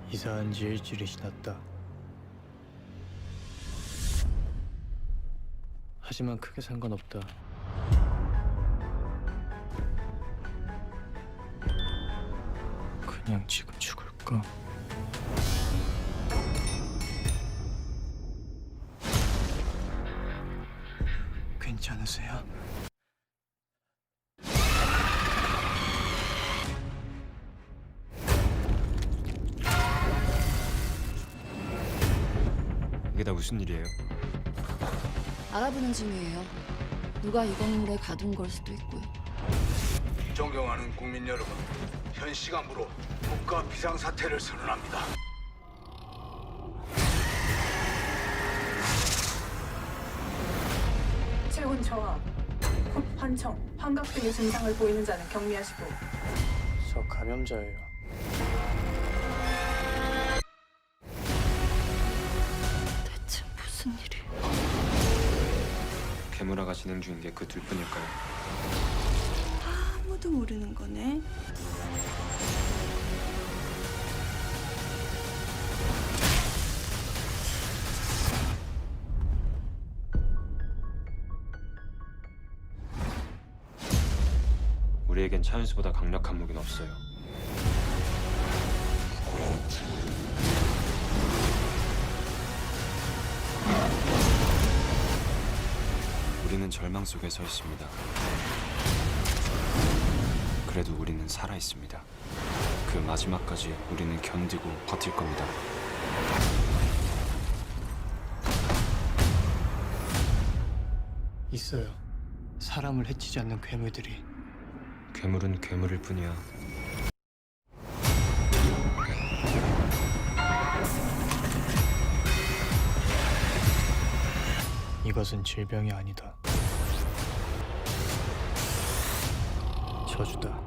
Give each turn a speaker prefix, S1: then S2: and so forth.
S1: 이사한 지 일주일이 지났다. 하지만 크게 상관없다. 그냥 지금 죽을까? 괜찮으세요?
S2: 이게 다 무슨 일이에요?
S3: 알아보는 중이에요. 누가 이 건물에 가둔 걸 수도 있고요.
S4: 존경하는 국민 여러분, 현 시간부로 국가 비상사태를 선언합니다.
S5: 체온 저하, 콧 환청, 환각 등의 증상을 보이는 자는 격리하시고
S1: 저 감염자예요.
S3: 대체 무슨 일이?
S2: 괴물화가 진행 중인 게 그 둘뿐일까요?
S6: 아무도 모르는 거네.
S2: 우리에겐 차윤수보다 강력한 무기는 없어요. 우리는 절망 속에 서 있습니다. 그래도 우리는 살아 있습니다. 그 마지막까지 우리는 견디고 버틸 겁니다.
S1: 있어요. 사람을 해치지 않는 괴물들이.
S2: 괴물은 괴물일 뿐이야.
S1: 이것은 질병이 아니다. 저주다.